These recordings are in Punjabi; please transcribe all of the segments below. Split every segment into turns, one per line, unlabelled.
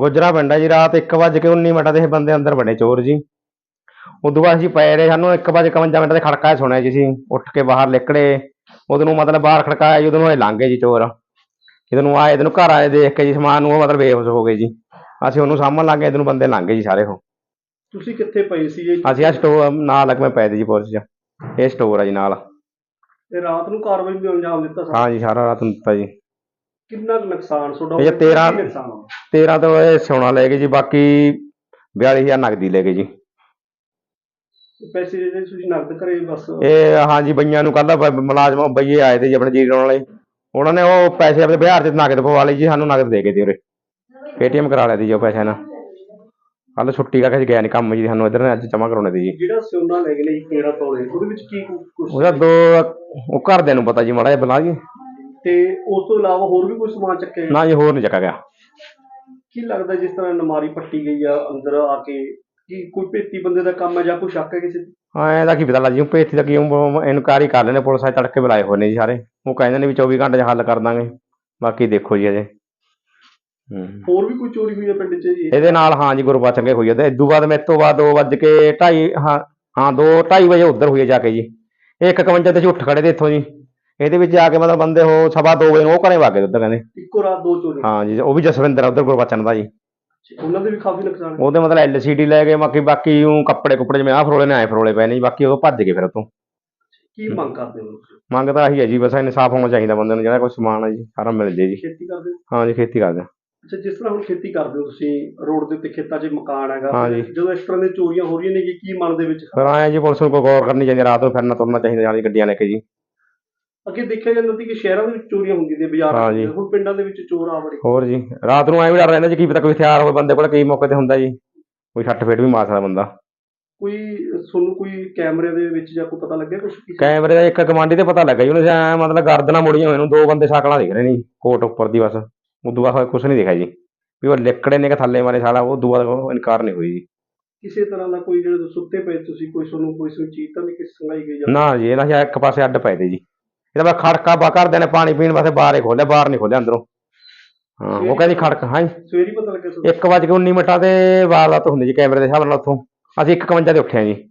ਗੁਜਰਾ ਪਿੰਡ ਹੈ ਜੀ। ਰਾਤ 1:19 ਤੇ ਇਹ ਬੰਦੇ ਅੰਦਰ ਵੜੇ ਚੋਰ ਜੀ। ਉਦੋਂ ਬਾਅਦ ਅਸੀਂ ਪਏ ਰਹੇ, ਸਾਨੂੰ 1:51 ਤੇ ਖੜਕਾ ਸੁਣਿਆ ਜੀ। ਅਸੀਂ ਉੱਠ ਕੇ ਬਾਹਰ ਨਿਕਲੇ, ਉਦੋਂ ਨੂੰ ਮਤਲਬ ਬਾਹਰ ਖੜਕਾਇਆ ਜੀ, ਉਦੋਂ ਨੂੰ ਇਹ ਲੰਘ ਗਏ ਜੀ ਚੋਰ। ਜਦੋਂ ਨੂੰ ਆਏ, ਇਹਨੂੰ ਘਰ ਆਏ ਦੇਖ ਕੇ ਜੀ ਸਮਾਨ ਨੂੰ, ਉਹ ਮਤਲਬ ਬੇਹੋਸ਼ ਹੋ ਗਏ ਜੀ। ਅਸੀਂ ਉਹਨੂੰ ਸਾਂਭਣ ਲੱਗ ਗਏ, ਇਹਨੂੰ ਬੰਦੇ ਲੰਘ ਗਏ ਜੀ ਸਾਰੇ। ਉਹ
ਤੁਸੀਂ ਕਿੱਥੇ ਪਏ ਸੀ ਜੀ?
ਅਸੀਂ ਆ ਸਟੋਰ ਨਾਲ ਲੱਗਵੇਂ ਪਏ ਤੇ ਜੀ ਪੁਲਿਸ 'ਚ। ਇਹ ਸਟੋਰ ਆ ਜੀ ਨਾਲ।
ਤੇ ਰਾਤ ਨੂੰ ਕਾਰਵਾਈ ਵੀ ਅੰਜਾਮ ਦਿੱਤਾ
ਹਾਂ ਜੀ, ਸਾਰਾ ਰਾਤ ਨੂੰ ਦਿੱਤਾ ਜੀ।
ਕਿੰਨਾ ਕੁ ਨੁਕਸਾਨ ਤੁਹਾਡਾ?
ਇਹ 13
ਨੁਕਸਾਨ ਹੋਇਆ?
13 ਤੋਂ ਇਹ ਸੋਨਾ ਲੈ ਗਏ ਜੀ, ਬਾਕੀ 42,000 ਨਗਦੀ ਲੈ ਗਏ ਜੀ।
ਪੈਸੇ ਜਿਹੜੇ ਤੁਸੀਂ ਨਕਦ ਕਰੇ ਬਸ?
ਇਹ ਹਾਂ ਜੀ, ਬਈਆਂ ਨੂੰ ਕੱਲ੍ਹ ਮੁਲਾਜ਼ਮ ਬਈਏ ਆਏ ਤੇ ਜੀ ਆਪਣੇ ਜੀਰੀ ਲਾਉਣ ਵਾਲੇ, ਉਹਨਾਂ ਨੇ ਉਹ ਪੈਸੇ ਆਪਣੇ ਬਿਹਾਰ 'ਚ ਨਗਦ ਪਵਾ ਲਈ ਜੀ। ਸਾਨੂੰ ਨਗਦ ਦੇ ਗਏ ਤੇ ਉਰੇ ਪੇਟੀਐਮ ਕਰਾ ਲਿਆ ਤੀ ਜੀ ਉਹ ਪੈਸੇ ਨਾਲ। ਕੱਲ੍ਹ ਛੁੱਟੀ ਕਰਕੇ ਅਸੀਂ ਗਿਆ ਨਹੀਂ ਕੰਮ ਜੀ, ਸਾਨੂੰ ਇੱਧਰ ਨੇ ਅੱਜ ਜਮ੍ਹਾਂ ਕਰਾਉਣੇ ਤੀ ਜੀ।
ਜਿਹੜਾ ਸੋਨਾ ਲੈ ਗਏ ਨੇ 13 ਤੋਲੇ, ਉਹਦੇ ਵਿੱਚ ਕੀ ਕੁਛ?
ਉਹਦਾ ਉਹ ਘਰਦਿਆਂ ਨੂੰ ਪਤਾ ਜੀ, ਮਾੜਾ ਜਿਹਾ ਬੁਲਾ ਜੀ।
ਤੇ ਉਸ ਤੋਂ ਇਲਾਵਾ ਹੋਰ ਵੀ ਕੋਈ ਸਮਾਨ ਚੱਕਿਆ?
ਨਾ ਜੀ, ਹੋਰ ਨਹੀਂ ਚੱਕਾ ਗਿਆ।
ਕੀ ਲੱਗਦਾ ਜਿਸ ਤਰ੍ਹਾਂ ਨਮਾਰੀ ਪੱਟੀ ਗਈ ਆ ਅੰਦਰ ਆ ਕੇ, ਕੀ ਕੋਈ ਭੇਤੀ ਬੰਦੇ ਦਾ ਕੰਮ ਹੈ ਜਾਂ ਕੋਈ ਸ਼ੱਕ ਹੈ ਕਿਸੇ ਤੇ?
ਹਾਂ, ਇਹਦਾ ਕੀ ਪਤਾ ਲੱਗ ਜੀ। ਭੇਤੀ ਦਾ ਕੀ ਇਨਕੁਆਇਰੀ ਕਰ ਲੈਣੇ, ਪੁਲਿਸ ਵਾਲੇ ਤੜਕੇ ਬੁਲਾਏ ਹੋਏ ਨੇ ਜੀ ਸਾਰੇ। ਉਹ ਕਹਿੰਦੇ ਨੇ ਵੀ 24 ਘੰਟੇ 'ਚ ਹੱਲ ਕਰ ਦਾਂਗੇ, ਬਾਕੀ ਦੇਖੋ ਜੀ ਅਜੇ।
ਹੋਰ ਵੀ ਕੋਈ ਚੋਰੀ ਹੋਈ ਹੈ ਪਿੰਡ 'ਚ ਜੀ
ਇਹਦੇ ਨਾਲ? ਹਾਂ ਜੀ, ਗੁਰਬਚਨ ਕੇ ਹੋਈ ਹੈ। ਤੇ ਇਦੋਂ ਬਾਅਦ ਮੇਰੇ ਤੋਂ ਬਾਅਦ 2:02 ਹਾਂ 2:30 ਵਜੇ ਉੱਧਰ ਹੋਈ ਹੈ ਜਾ ਕੇ ਜੀ। 1:51 ਤੇ ਅਸੀਂ ਉੱਠ ਖੜੇ ਤੇ ਇੱਥੋਂ ਜੀ। ਇਹਦੇ ਵਿੱਚ ਆ ਕੇ ਮਤਲਬ ਬੰਦੇ ਉਹ 2:15 ਵਜੇ ਨੂੰ ਉਹ ਘਰੇ ਵਗ ਗਏ ਉੱਧਰ ਕਹਿੰਦੇ।
ਇੱਕੋ ਰਾਤ 2 ਚੋਰੀ?
ਹਾਂ ਜੀ, ਉਹ ਵੀ ਜਸਵਿੰਦਰ ਆ ਉੱਧਰ ਗੁਰਬਚਨ ਦਾ ਜੀ।
ਉਹਨਾਂ ਦੇ ਵੀ ਕਾਫੀ ਨੁਕਸਾਨ?
ਉਹਦੇ ਮਤਲਬ LCD ਲੈ ਗਏ, ਬਾਕੀ ਉਹ ਕੱਪੜੇ ਜਿਵੇਂ ਆਹ ਫਰੋਲੇ ਨੇ ਆਏ ਫਰੋਲੇ ਪਏ ਨੇ ਜੀ। ਬਾਕੀ ਉਹ ਭੱਜ ਗਏ ਫਿਰ ਉੱਥੋਂ।
ਕੀ ਮੰਗ ਕਰਦੇ ਹੋ?
ਮੰਗ ਤਾਂ ਆਹੀ ਹੈ ਜੀ, ਬਸ ਇਨਸਾਫ ਹੋਣਾ ਚਾਹੀਦਾ ਬੰਦੇ ਨੂੰ। ਜਿਹੜਾ ਕੋਈ ਸਮਾਨ ਹੈ ਜੀ ਸਾਰਾ ਮਿਲ ਜੇ ਜੀ।
ਖੇਤੀ ਕਰਦੇ ਹੋ?
ਹਾਂ ਜੀ, ਖੇਤੀ ਕਰਦੇ ਹਾਂ।
ਅੱਛਾ, ਜਿਸ ਤਰ੍ਹਾਂ ਹੁਣ ਖੇਤੀ ਕਰਦੇ ਹੋ ਤੁਸੀਂ, ਰੋਡ ਦੇ ਉੱਤੇ ਖੇਤਾਂ 'ਚ ਮਕਾਨ ਹੈਗਾ,
ਹਾਂ ਜੀ।
ਜਦੋਂ ਇਸ ਤਰ੍ਹਾਂ ਦੀਆਂ ਚੋਰੀਆਂ ਹੋ ਰਹੀਆਂ ਨੇ ਕੀ ਮਨ ਦੇ ਵਿੱਚ?
ਫਿਰ ਆਏ ਜੀ, ਪੁਲਿਸ ਨੂੰ ਕੋਈ ਗੌਰ ਕਰਨੀ ਚਾਹੀਦੀ, ਰਾਤ ਨੂੰ ਫਿਰਨਾ ਤੁਰਨਾ ਚਾਹੀਦਾ ਨਾਲ ਗੱਡੀਆਂ ਲੈ ਕੇ ਜੀ।
ਅੱਗੇ ਦੇਖਿਆ ਜਾਂਦਾ ਸੀ ਕਿ ਸ਼ਹਿਰਾਂ ਦੇ ਵਿੱਚ ਚੋਰੀਆਂ ਹੁੰਦੀਆਂ ਨੇ, ਬਾਜ਼ਾਰਾਂ ਦੇ ਵਿੱਚ, ਹੁਣ ਪਿੰਡਾਂ ਦੇ ਵਿੱਚ ਚੋਰ ਆ ਵੜੇ।
ਹੋਰ ਜੀ, ਰਾਤ ਨੂੰ ਐਂ ਵੀ ਡਰ ਰਹਿੰਦਾ ਜੀ, ਕੀ ਪਤਾ ਕੋਈ ਹਥਿਆਰ ਹੋਵੇ ਬੰਦੇ ਕੋਲ, ਕਈ ਮੌਕੇ ਤੇ ਹੁੰਦਾ ਜੀ ਕੋਈ ਛੱਟ ਫੇਟ ਵੀ ਮਾਰ ਸਕਦਾ ਬੰਦਾ।
ਕੋਈ ਤੁਹਾਨੂੰ ਕੋਈ ਕੈਮਰੇ ਦੇ ਵਿੱਚ ਜਾਂ ਕੋਈ ਪਤਾ ਲੱਗਿਆ ਕੁਛ?
ਕੈਮਰੇ ਦਾ ਇੱਕ ਗਵਾਂਢੀ ਤੇ ਪਤਾ ਲੱਗਾ ਜੀ, ਉਹਨੇ ਐਂ ਮਤਲਬ ਗਰਦਨਾਂ ਮੁੜੀਆਂ ਹੋਏ ਨੂੰ 2 ਬੰਦੇ ਸ਼ਕਲਾਂ ਦਿਖ ਰਹੇ ਨੇ ਜੀ ਕੋਟ ਉੱਪਰ ਦੀ, ਬਸ ਉਦੋਂ ਬਾਅਦ ਕੁਛ ਨਹੀਂ ਦਿਖਿਆ ਜੀ ਵੀ ਉਹ ਲਿਕੜੇ ਨੇ ਕਿ ਥੱਲੇ ਮਾਰੇ ਸਾਲਾ। ਉਦੋਂ ਬਾਅਦ ਇਨਕਾਰ ਨਹੀਂ ਹੋਈ ਜੀ।
ਕਿਸੇ ਤਰ੍ਹਾਂ ਦਾ ਕੋਈ ਜਿਹੜੇ ਸੁੱਤੇ ਪਏ ਤੁਸੀਂ, ਕੋਈ ਤੁਹਾਨੂੰ ਕੋਈ ਚੀਜ਼ ਤਾਂ ਨਹੀਂ ਸੰਗਾਈ ਗਈ?
ਨਾ ਜੀ, ਇਹਨਾਂ ਇੱਕ ਪਾਸੇ ਅੱਡ ਪਏ ਤੇ ਜੀ। ਇਹਦਾ ਬਸ ਖੜਕਾ ਘਰਦਿਆਂ ਨੇ ਪਾਣੀ ਪੀਣ ਵਾਸਤੇ ਬਾਹਰ ਹੀ ਖੋਲਿਆ, ਬਾਹਰ ਨਹੀਂ ਖੋਲਿਆ ਅੰਦਰੋਂ। ਹਾਂ, ਉਹ ਕਹਿੰਦੀ ਖੜਕਾ। ਹਾਂ ਜੀ,
ਸਵੇਰੇ ਪਤਾ ਲੱਗਿਆ?
1:19 ਤੇ ਵਾਰਦਾਤ ਹੁੰਦੀ ਜੀ ਕੈਮਰੇ ਦੇ ਹਿਸਾਬ ਨਾਲ। ਉੱਥੋਂ ਅਸੀਂ 1:51 ਤੇ ਉੱਠੇ ਹਾਂ ਜੀ।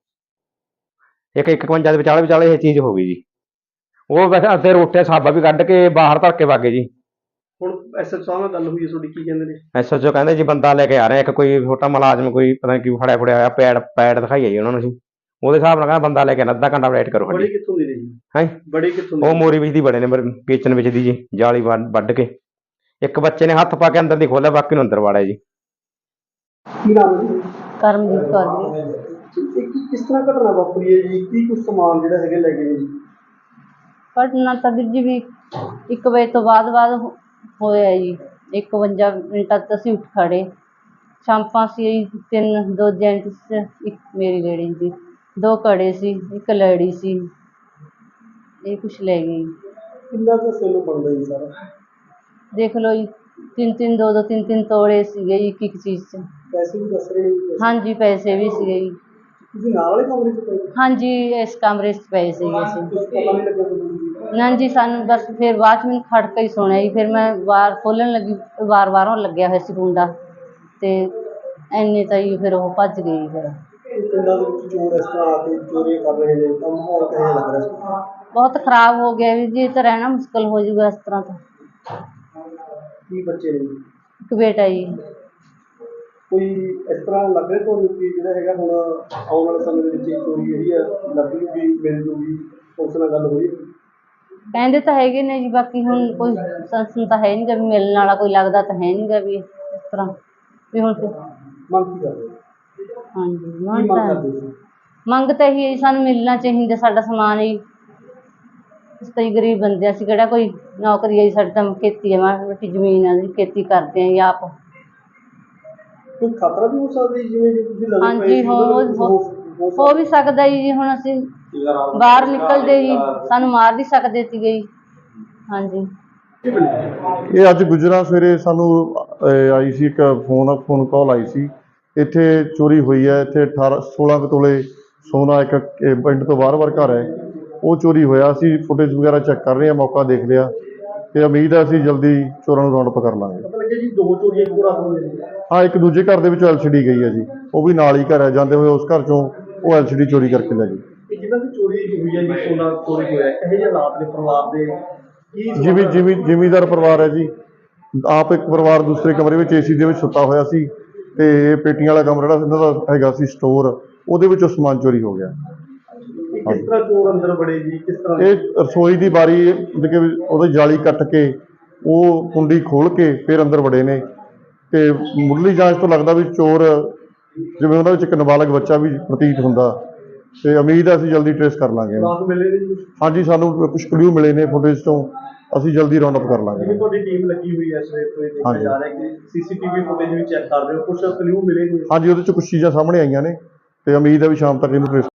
1:51 ਦੇ ਵਿਚਾਲੇ ਇਹ ਚੀਜ਼ ਹੋ ਗਈ ਜੀ। ਉਹ ਵੈਸੇ ਅੱਧੇ ਰੋਟੇ ਸਾਬਾ ਵੀ ਕੱਢ ਕੇ ਬਾਹਰ ਧਰ ਕੇ ਵਾਗੇ ਜੀ।
ਹੁਣ SHO ਸਾਹਿਬ ਨਾਲ ਗੱਲ ਹੋਈ ਹੈ ਤੁਹਾਡੀ, ਕੀ ਕਹਿੰਦੇ ਨੇ?
SHO ਕਹਿੰਦੇ ਜੀ ਬੰਦਾ ਲੈ ਕੇ ਆ ਰਹੇ ਇੱਕ, ਕੋਈ ਛੋਟਾ ਮੁਲਾਜ਼ਮ, ਕੋਈ ਪਤਾ ਨਹੀਂ ਕੀ ਫੜਿਆ ਹੋਇਆ, ਪੈਡ ਦਿਖਾਈਆ ਜੀ ਉਹਨਾਂ ਨੂੰ। ਅਸੀਂ ਉਹਦੇ ਹਿਸਾਬ ਨਾਲ ਕਹਿੰਦਾ ਬੰਦਾ ਲੈ ਕੇ ਆਉਣਾ, ਅੱਧਾ ਘੰਟਾ ਵੇਟ ਕਰੋ।
ਬੜੇ ਕਿੱਥੋਂ ਦੇ ਨੇ ਜੀ?
ਹੈਂ,
ਬੜੇ ਕਿੱਥੋਂ ਦੇ?
ਉਹ ਮੋਰੀ ਵਿੱਚ ਦੀ ਬੜੇ ਨੇ, ਕਿਚਨ ਵਿੱਚ ਦੀ ਜੀ, ਜਾਲੀ ਵੱਢ ਕੇ। ਇੱਕ ਬੱਚੇ ਨੇ ਹੱਥ ਪਾ ਕੇ ਅੰਦਰ ਦੀ ਖੋਲਿਆ, ਬਾਕੀ ਨੂੰ ਅੰਦਰ ਵਾੜਿਆ ਜੀ।
ਕੀ ਨਾਮ ਹੈ?
ਕਰਮਜੀਤ ਕੌਰ ਜੀ।
ਕਿਸ ਤਰ੍ਹਾਂ ਘਟਨਾ ਵਾਪਰੀ ਹੈ ਜੀ? ਕੀ ਕੁਛ ਸਮਾਨ ਜਿਹੜਾ ਹੈਗੇ ਲੈ ਗਏ ਨੇ ਜੀ?
ਘਟਨਾ ਤਾਂ ਵੀਰ ਜੀ ਵੀ 1 ਵਜੇ ਤੋਂ ਬਾਅਦ ਹੋਇਆ ਜੀ। 51 ਮਿੰਟਾਂ ਤੱਕ ਅਸੀਂ ਉੱਠ ਖੜੇ। ਸ਼ਾਂਪਾਂ ਸੀ 3, 2 ਜੈਂਟਸ, 1 ਮੇਰੀ ਲੇਡੀ ਸੀ, 2 ਕੜੇ ਸੀ, 1 ਲੜੀ ਸੀ। ਇਹ ਕੁਛ ਲੈ ਗਏ ਜੀ।
ਕਿੰਨਾ ਕੁ ਸੋਨਾ ਬਣਦਾ ਜੀ ਸਾਰਾ?
ਦੇਖ ਲਓ ਜੀ, 3-3, 2-2, 3-3 ਤੋਲੇ ਸੀਗੇ ਜੀ ਇੱਕ ਚੀਜ਼ 'ਚ।
ਪੈਸੇ ਵੀ ਦੱਸ ਰਹੇ ਨੇ?
ਹਾਂਜੀ, ਪੈਸੇ ਵੀ ਸੀਗੇ ਜੀ।
ਤੁਸੀਂ ਨਾਲ ਵਾਲੇ ਕਮਰੇ 'ਚ ਪਏ?
ਹਾਂਜੀ, ਇਸ ਕਮਰੇ 'ਚ ਪਏ ਸੀਗੇ ਅਸੀਂ।
ਕੁਛ ਪਤਾ ਨਹੀਂ ਲੱਗਿਆ ਤੁਹਾਨੂੰ?
ਨਾ ਜੀ, ਸਾਨੂੰ ਬਸ ਫਿਰ ਬਾਅਦ 'ਚ ਮੈਨੂੰ ਖੜਕਾ ਹੀ ਸੁਣਿਆ ਜੀ। ਫਿਰ ਮੈਂ ਵਾਰ ਖੋਲ੍ਹਣ ਲੱਗੀ, ਬਾਹਰੋਂ ਲੱਗਿਆ ਹੋਇਆ ਸੀ ਕੁੰਡਾ, ਅਤੇ ਇੰਨੇ ਤਾਂ ਜੀ ਫਿਰ ਉਹ ਭੱਜ ਗਏ ਜੀ। ਫਿਰ
ਪਿੰਡਾਂ ਦੇ ਵਿੱਚ ਚੋਰ ਇਸ ਤਰ੍ਹਾਂ ਆ ਕੇ ਚੋਰੀਆਂ ਕਰ ਰਹੇ ਨੇ, ਤਾਂ ਮਾਹੌਲ ਕਿਹੋ ਜਿਹਾ ਲੱਗ ਰਿਹਾ ਸੀ?
ਬਹੁਤ ਖ਼ਰਾਬ ਹੋ ਗਿਆ ਵੀਰ ਜੀ, ਇਹ ਤਾਂ ਰਹਿਣਾ ਮੁਸ਼ਕਿਲ ਹੋ ਜਾਊਗਾ ਇਸ ਤਰ੍ਹਾਂ ਤਾਂ।
ਕੀ ਬੱਚੇ ਨੇ?
1 ਬੇਟਾ ਜੀ।
ਕੋਈ ਇਸ ਤਰ੍ਹਾਂ ਲੱਗ ਰਿਹਾ ਤੁਹਾਨੂੰ ਕਿ ਜਿਹੜਾ ਹੈਗਾ ਹੁਣ ਆਉਣ ਵਾਲੇ ਸਮੇਂ ਦੇ ਵਿੱਚ ਇਹ ਚੋਰੀ ਜਿਹੜੀ ਆ ਲੱਗੂਗੀ, ਮਿਲ ਜੂਗੀ? ਉਸ ਨਾਲ ਗੱਲ ਹੋਈ?
ਕਹਿੰਦੇ ਤਾਂ ਹੈਗੇ ਨੇ ਜੀ, ਬਾਕੀ ਹੁਣ ਕੋਈ ਸੰਸਨ ਤਾਂ ਹੈ ਨਹੀਂ ਗਾ ਵੀ ਮਿਲਣ ਵਾਲਾ, ਕੋਈ ਲੱਗਦਾ ਤਾਂ ਹੈ ਨਹੀਂ ਗਾ ਵੀ ਇਸ ਤਰ੍ਹਾਂ ਵੀ ਹੁਣ।
ਮੰਗ ਕੀ ਕਰਦੇ?
ਹਾਂਜੀ, ਮੰਗ ਤਾਂ ਇਹੀ ਹੈ ਜੀ, ਸਾਨੂੰ ਮਿਲਣਾ ਚਾਹੀਦਾ ਸਾਡਾ ਸਮਾਨ ਜੀ। ਅਸੀਂ ਤਾਂ ਜੀ ਗਰੀਬ ਬੰਦੇ, ਅਸੀਂ ਕਿਹੜਾ ਕੋਈ ਨੌਕਰੀ ਹੈ ਜੀ, ਸਾਡੀ ਤਾਂ ਖੇਤੀ ਹੈ, ਮਾੜੀ ਮੋਟੀ ਜ਼ਮੀਨ ਹੈ ਜੀ, ਖੇਤੀ ਕਰਦੇ ਹਾਂ ਜੀ ਆਪ।
ਕੋਈ ਖਤਰਾ ਵੀ ਹੋ ਸਕਦਾ ਜੀ, ਜਿਵੇਂ ਤੁਸੀਂ ਲੱਗਦੇ?
ਹਾਂਜੀ, ਹੋ ਵੀ ਸਕਦਾ ਜੀ। ਹੁਣ ਅਸੀਂ ਬਾਹਰ ਨਿਕਲਦੇ ਜੀ, ਸਾਨੂੰ ਮਾਰ ਵੀ ਸਕਦੇ ਸੀਗੇ ਜੀ। ਹਾਂਜੀ,
ਇਹ ਅੱਜ ਗੁਜਰਾ ਸਵੇਰੇ ਸਾਨੂੰ ਆਈ ਸੀ ਇੱਕ ਫੋਨ ਕਾਲ ਆਈ ਸੀ, ਇੱਥੇ ਚੋਰੀ ਹੋਈ ਹੈ। ਇੱਥੇ 16 ਕੁ ਤੋਲੇ ਸੋਨਾ ਇੱਕ ਪਿੰਡ ਤੋਂ ਬਾਹਰ ਘਰ ਹੈ, ਉਹ ਚੋਰੀ ਹੋਇਆ। ਅਸੀਂ ਫੁਟੇਜ ਵਗੈਰਾ ਚੈੱਕ ਕਰ ਰਹੇ ਹਾਂ, ਮੌਕਾ ਦੇਖ ਲਿਆ ਤੇ ਉਮੀਦ ਹੈ ਅਸੀਂ ਜਲਦੀ ਚੋਰਾਂ ਨੂੰ ਰਾਉਂਡ ਅਪ ਕਰ ਲਾਂਗੇ।
ਪਤਾ ਲੱਗਿਆ ਜੀ 2 ਚੋਰੀਆਂ ਇੱਕੋ ਰਾਤ ਹੋਈਆਂ ਨੇ।
ਹਾਂ, ਇੱਕ ਦੂਜੇ ਘਰ ਦੇ ਵਿੱਚੋਂ LCD ਗਈ ਹੈ ਜੀ, ਉਹ ਵੀ ਨਾਲ ਹੀ ਘਰ ਹੈ, ਜਾਂਦੇ ਹੋਏ ਉਸ ਘਰ ਚੋਂ ਉਹ LCD ਚੋਰੀ ਕਰਕੇ ਲੈ ਗਏ।
ਇਹ ਜਿਨ੍ਹਾਂ ਦੀ ਚੋਰੀ ਹੋਈ ਹੈ ਜੀ, ਸੋਨਾ ਚੋਰੀ ਹੋਇਆ, ਇਹੋ ਜਿਹੇ ਹਾਲਾਤ ਨੇ ਪਰਿਵਾਰ ਦੇ ਕੀ
ਜ਼ਿਮੀਂਦਾਰ ਪਰਿਵਾਰ ਹੈ ਜੀ। ਆਪ ਇੱਕ ਪਰਿਵਾਰ ਦੂਸਰੇ ਕਮਰੇ ਵਿੱਚ AC ਦੇ ਵਿੱਚ ਸੁੱਤਾ ਹੋਇਆ ਸੀ, ਤੇ ਇਹ ਪੇਟੀਆਂ ਵਾਲਾ ਕਮਰਾ ਜਿਹੜਾ ਇਹਨਾਂ ਦਾ ਹੈਗਾ ਸੀ ਸਟੋਰ, ਉਹਦੇ ਵਿੱਚੋਂ ਸਮਾਨ ਚੋਰੀ ਹੋ ਗਿਆ।
ਕਿਸ ਤਰ੍ਹਾਂ ਚੋਰ ਅੰਦਰ ਵੜੇ ਜੀ, ਕਿਸ ਤਰ੍ਹਾਂ?
ਇਹ ਰਸੋਈ ਦੀ ਬਾਰੀ ਮਤਲਬ ਕਿ ਉਹਦੀ ਜਾਲੀ ਕੱਟ ਕੇ ਉਹ ਕੁੰਡੀ ਖੋਲ ਕੇ ਫਿਰ ਅੰਦਰ ਵੜੇ ਨੇ, ਤੇ ਮੁੱਢਲੀ ਜਾਂਚ ਤੋਂ ਲੱਗਦਾ ਵੀ ਚੋਰ ਜਿਵੇਂ ਉਹਨਾਂ ਵਿੱਚ ਇੱਕ ਨਾਬਾਲਗ ਬੱਚਾ ਵੀ ਪ੍ਰਤੀਤ ਹੁੰਦਾ, ਤੇ ਉਮੀਦ ਹੈ ਅਸੀਂ ਜਲਦੀ ਟ੍ਰੇਸ ਕਰ ਲਾਂਗੇ।
ਰਾਤ ਮਿਲੇ ਨੇ ਜੀ?
ਹਾਂਜੀ, ਸਾਨੂੰ ਕੁਝ ਕਲੂ ਮਿਲੇ ਨੇ ਫੁਟੇਜ ਤੋਂ, ਅਸੀਂ ਜਲਦੀ ਰਾਉਂਡ ਅਪ ਕਰ ਲਾਂਗੇ।
ਜਿਵੇਂ ਤੁਹਾਡੀ ਟੀਮ ਲੱਗੀ ਹੋਈ ਹੈ ਸਵੇਰ ਤੋਂ, ਇਹ ਦੇਖਿਆ
ਹਾਂਜੀ।
ਜਾ ਰਿਹਾ ਕਿ CCTV ਫੁਟੇਜ ਵੀ ਚੈੱਕ ਕਰ ਰਹੇ ਹੋ, ਕੁਝ ਕਲੂ ਮਿਲੇ ਨੇ?
ਹਾਂਜੀ, ਉਹਦੇ 'ਚ ਕੁਝ ਚੀਜ਼ਾਂ ਸਾਹਮਣੇ ਆਈਆਂ ਨੇ, ਤੇ ਉਮੀਦ ਹੈ ਵੀ ਸ਼ਾਮ ਤੱਕ ਇਹਨੂੰ ਟ੍ਰੇਸ